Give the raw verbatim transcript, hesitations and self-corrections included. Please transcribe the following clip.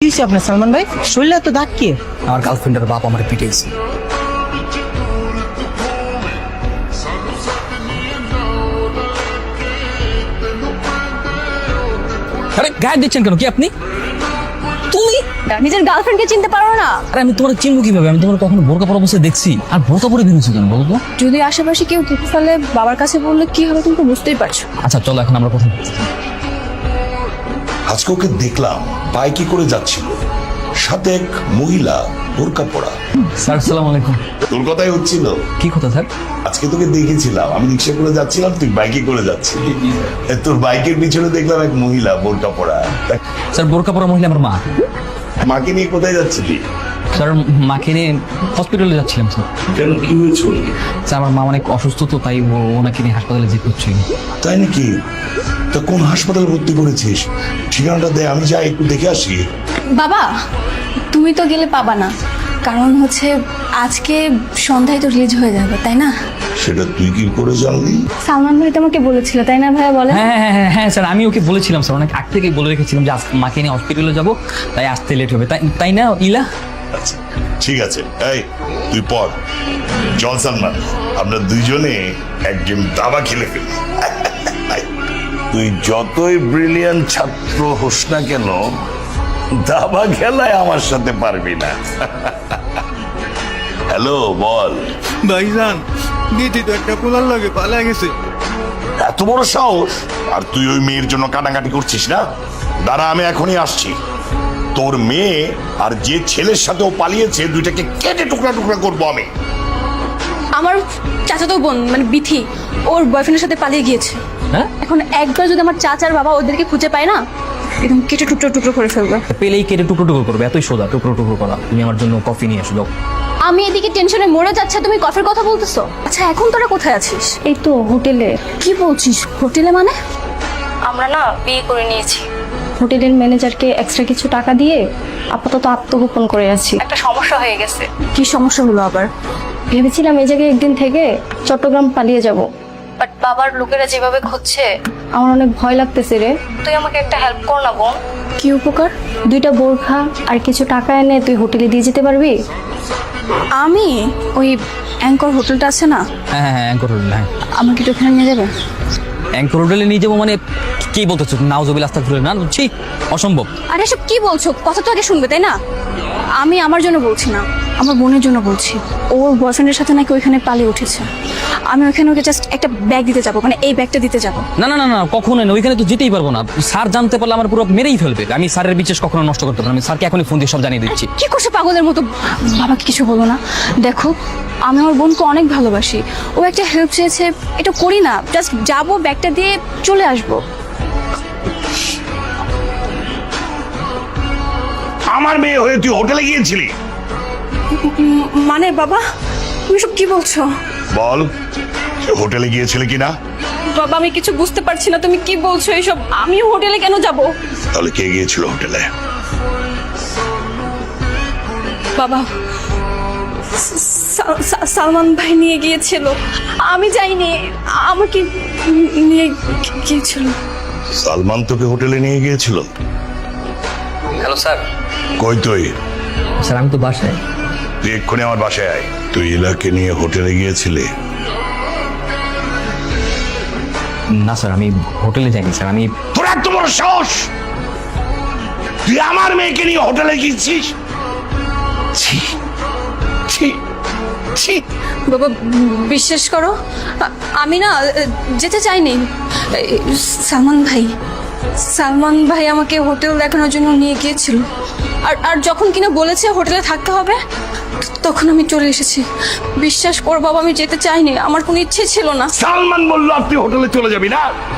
কি হয়েছে আপনার সালমান ভাই? শরীরে তো দাগ কি? আমার গার্লফ্রেন্ডের বাপ আমার পিটাইছে। আরে গায়ে দিচ্ছেন কেন? কি আপনি? তুমি নিজের গার্লফ্রেন্ডকে চিনতে পারো না? আরে আমি তোমার চিনবো কিভাবে? আমি তোমার কখনো বোরকা পরা অবস্থায় দেখছি? আর বোরকা পরে বেরোছো কেন বলো তো? যদি আশেপাশে কেউ দেখে ফেলে বাবার কাছে বললে কি হবে তুমি তো বুঝতেই পারছো। আচ্ছা চলো এখন আমরা কথা বলছি। আজকে ওকে দেখলাম বাইকে করে যাচ্ছিল, সাথে এক মহিলা বোরকা পরা। স্যার আসসালামু আলাইকুম। তোর কথাই হচ্ছিল। কি কথা স্যার? আজকে তোকে দেখেছিলাম, আমি রিক্সা করে যাচ্ছিলাম, তুই বাইকে করে যাচ্ছিলি। তোর বাইকের পিছনে দেখলাম এক মহিলা বোরকা পরা। স্যার বোরকা পরা মহিলা আমার মা। মাকে নিয়ে কোথায় যাচ্ছিলি? স্যার মাকে নিয়ে হসপিটালে যাচ্ছিলাম স্যার। কেন, কি হয়েছিল? স্যার আমার মা অনেক অসুস্থ তো, তাই ও- ওনাকে নিয়ে হাসপাতালে যেতে হচ্ছে। তাই নাকি? তা কোন হাসপাতালে ভর্তি করেছিস? ঠিকানাটা দে, আমি যাই একটু দেখে আসি। বাবা তুমি তো গেলে পাবা না, কারণ হচ্ছে আজকে সন্ধ্যায় তো রিলিজ হয়ে যাবে তাই না? সেটা তুই কি করে জানলি? সালমান ভাই তোমাকে বলেছিল তাই না ভাইয়া? বলে হ্যাঁ হ্যাঁ হ্যাঁ হ্যাঁ স্যার আমি ওকে বলেছিলাম স্যার, অনেক আগ থেকেই বলে রেখেছিলাম যে আজ মাকে নিয়ে হসপিটালে যাবো, তাই আসতে লেট হবে। তাই তাই না ইলা? আচ্ছা ঠিক আছে, এই তুই পর। চল সালমান, আমরা দুইজনে এক গেম দাবা খেলে ফেলি। তুই যতই ব্রিলিয়ান্ট ছাত্র হোস না কেন, দাবা খেলায় আমার সাথে পারবি না। হ্যালো, বল। ভাইজান দিদি তো একটা পোলার লাগে পালা গেছে। এত বড় সাহস! আর তুই ওই মেয়ের জন্য কাটাকাটি করছিস না? দাঁড়া, আমি এখনই আসছি। তোর মেয়ে আর যে ছেলের সাথে ও পালিয়েছে, দুইটাকে কেটে টুকরা টুকরা করবো আমি। আমার চাচাতো বোন মানে বিথি ওর বয়ফ্রেন্ডের সাথে পালিয়ে গিয়েছে। হ্যাঁ এখন একবার যদি আমার চাচার বাবা ওদেরকে খুঁজে পায় না, একদম কেটে টুকরো টুকরো করে ফেলবে। পেলেই কেটে টুকরো টুকরো করবে, এতই সোজা টুকরো টুকরো করা। তুমি আমার জন্য কফি নিয়ে এসো যাও। আমি এদিকে টেনশনে মরে যাচ্ছে, তুমি কফির কথা বলতেছো? আচ্ছা এখন তোরা কোথায় আছিস? এই তো হোটেলে। কি বলছিস হোটেলে? মানে আমরা না বিয়ে করে নিয়েছি। হোটেলের ম্যানেজারকে এক্সট্রা কিছু টাকা দিয়ে আপাতত আত্মগোপন করে আছি। একটা সমস্যা হয়ে গেছে। কি সমস্যা হলো আবার? ভেবেছিলাম এই জায়গায় একদিন থেকে চট্টগ্রাম পালিয়ে যাব, বাট বাবার লোকেরা যেভাবে খুঁজছে আমার অনেক ভয় লাগতেছে রে। তুই আমাকে একটা হেল্প কর না বোন। কি উপকার? দুইটা বোরখা আর কিছু টাকা এনে তুই হোটেলে দিয়ে যেতে পারবি? আমি ওই অ্যাঙ্কর হোটেলটা আছে না, হ্যাঁ হ্যাঁ হ্যাঁ অ্যাঙ্কর হোটেল। হ্যাঁ আমাকে একটু ওখানে নিয়ে যাবে? অ্যাঙ্কর হোটেলে নিয়ে যাবো মানে কি বলতেছো? নাউজুবিল আস্তাগফিরুল্লাহ, না বুঝছি অসম্ভব। আরে এসব কি বলছো? কথা তো আগে শুনবে তাই না? আমি আমার জন্য বলছি না, আমার বোনের জন্য বলছি। ওর বয়ফ্রেন্ডের সাথে নাকি ওইখানে পালিয়ে উঠেছে। আমি ওইখানে ওকে জাস্ট একটা ব্যাগ দিতে যাবো, মানে এই ব্যাগটা দিতে যাবো। না না না না কখনোই না, ওইখানে তো যেতেই পারবো না। স্যার জানতে পারলে আমার পুরো মেরেই ফেলবে। আমি স্যারের বিশেষ কখনো নষ্ট করতে পারবো না। আমি স্যারকে এখনই ফোন দিয়ে সব জানিয়ে দিচ্ছি। কি করছে পাগলের মতো? বাবাকে কিছু বলো না। দেখো আমি আমার বোনকে অনেক ভালোবাসি, ও একটা হেল্প চেয়েছে, এটা করি না। জাস্ট যাবো, ব্যাগটা দিয়ে চলে আসবো। আমার মেয়ে হয়ে তুই হোটেলে গিয়েছিলি? মানে বাবা তুমি সব কি বলছো? বল, তুই হোটেলে গিয়েছিলি কিনা? বাবা আমি কিছু বুঝতে পারছি না, তুমি কি বলছো এইসব? আমি হোটেলে কেন যাব? তাহলে কে গিয়েছিল হোটেলে? বাবা সা- সা- সালমান ভাই নিয়ে গিয়েছিল, আমি যাইনি। আমাকে নিয়ে গিয়েছিল। সালমান তোকে হোটেলে নিয়ে গিয়েছিল? Hello sir. কই তুই? স্যার আমি তো বাসায়। তুই এক্ষুনি আমার বাসায় আয়। তুই ইলাকে নিয়ে হোটেলে গিয়েছিলি? না স্যার আমি হোটেলে যাইনি স্যার। আমি তোর এত বড় সাহস! তুই আমার মেয়েকে নিয়ে হোটেলে গিয়েছিস? ছি ছি ছি! বাবা বিশ্বাস করো, আ- আমি না যেতে চাইনি। এই, সালমান ভাই সালমান ভাই আমাকে হোটেল দেখানোর জন্য নিয়ে গিয়েছিল। আর আর যখন কিনা বলেছে হোটেলে থাকতে হবে, তখন আমি চলে এসেছি। বিশ্বাস কর বাবা আমি যেতে চাইনি, আমার কোনো ইচ্ছে ছিল না। সালমান বললো আপনি হোটেলে চলে যাবি না?